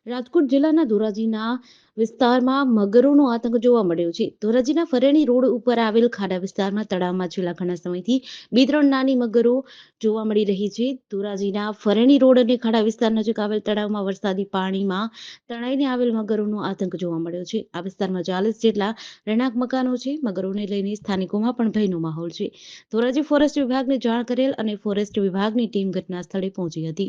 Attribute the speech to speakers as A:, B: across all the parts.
A: રાજકોટ જિલ્લાના ધોરાજીના વિસ્તારમાં મગરોનો આતંક જોવા મળ્યો છે. ધોરાજીના ફરેણી રોડ ઉપર આવેલ ખાડા વિસ્તારમાં તળાવમાં છેલ્લા ઘણા સમયથી 2-3 નાની મગરો જોવા મળી રહી છે. ધોરાજીના ફરેણી રોડ અને ખાડા વિસ્તાર નજીક આવેલ તળાવમાં વરસાદી પાણીમાં તણાઈને આવેલ મગરોનો આતંક જોવા મળ્યો છે. આ વિસ્તારમાં 40 જેટલા રહેણાંક મકાનો છે. મગરોને લઈને સ્થાનિકોમાં પણ ભયનો માહોલ છે. ધોરાજી ફોરેસ્ટ વિભાગને જાણ કરેલ અને ફોરેસ્ટ વિભાગની ટીમ ઘટના સ્થળે પહોંચી હતી.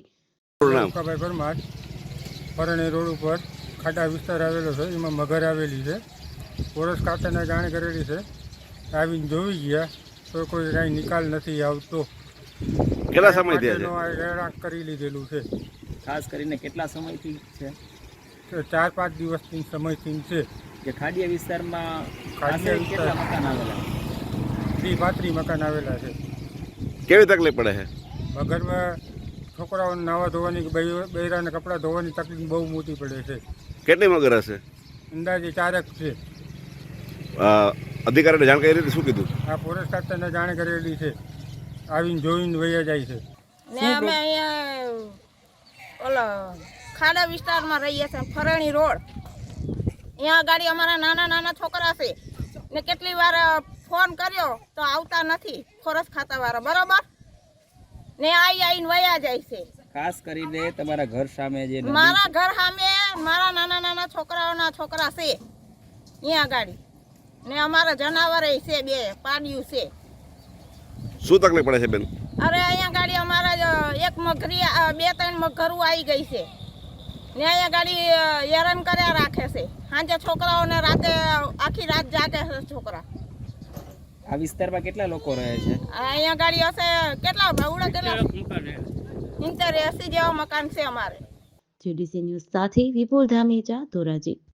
B: ફરણી રોડ ઉપર ખાડા વિસ્તાર આવેલો છે, એમાં મગર આવેલી છે. ફોરેસ્ટ ખાતાને જાણ કરેલી છે, આવીને જોઈ ગયા તો કોઈ કાંઈ નિકાલ નથી આવતો.
C: કેટલા સમયથી
B: રહેણાંક કરી લીધેલું છે.
D: ખાસ કરીને કેટલા સમયથી છે?
B: 4-5 દિવસથી સમયથી છે.
D: કે ખાડીયા વિસ્તારમાં
B: ખાડીયા
D: કેટલા મકાન આવેલા?
B: 30-35 મકાન આવેલા છે.
C: કેવી તકલીફ પડે છે?
B: મગરમાં છોકરાઓને નાવા ધોવાની, બૈરાને કપડાં ધોવાની તકલીફ બહુ મોટી પડે છે.
C: કેટલી મગર હશે?
B: અંદાજે 4 છે.
C: અધિકારીને જાણ કરી હતી, શું કીધું?
B: આ ફોરેસ્ટ ખાતાને જાણ કરેલી છે, આવીને જોઈને વયા જાય છે.
E: ને અમે અહીંયા ઓલો ખાડા વિસ્તારમાં રહીએ છીએ, ફરણી રોડ. અહીંયા ગાડી અમારા નાના નાના છોકરા છે ને કેટલી વાર ફોન કર્યો તો આવતા નથી ફોરેસ્ટ ખાતાવાળા, બરોબર ને આવીને વયા જાય છે.
D: ખાસ કરીને તમારા ઘર સામે જે
E: મારા ઘર સામે મારા નાના નાના છોકરાઓના છોકરા છે અહીંયા ગાડી ને અમારા જનાવર છે, 2 પાડ્યું છે.
C: શું તકલીફ પડે છે બેન?
E: અરે અહીંયા ગાડી અમારા એક મગરી 2-3 મગરું આવી ગઈ છે ને અહીંયા ગાડી હેરાન કર્યા રાખે છે. સાંજે છોકરાઓને રાતે આખી રાત જાગે છે છોકરા.
D: આ વિસ્તારમાં કેટલા લોકો રહે છે?
E: અહીંયા ગાડી હશે કેટલા બહુડા કેટલા 70-80 જેવા મકાન છે અમારે.
A: જેડીસી ન્યૂઝ સાથે વિપુલ ધામેચા, ધોરાજી.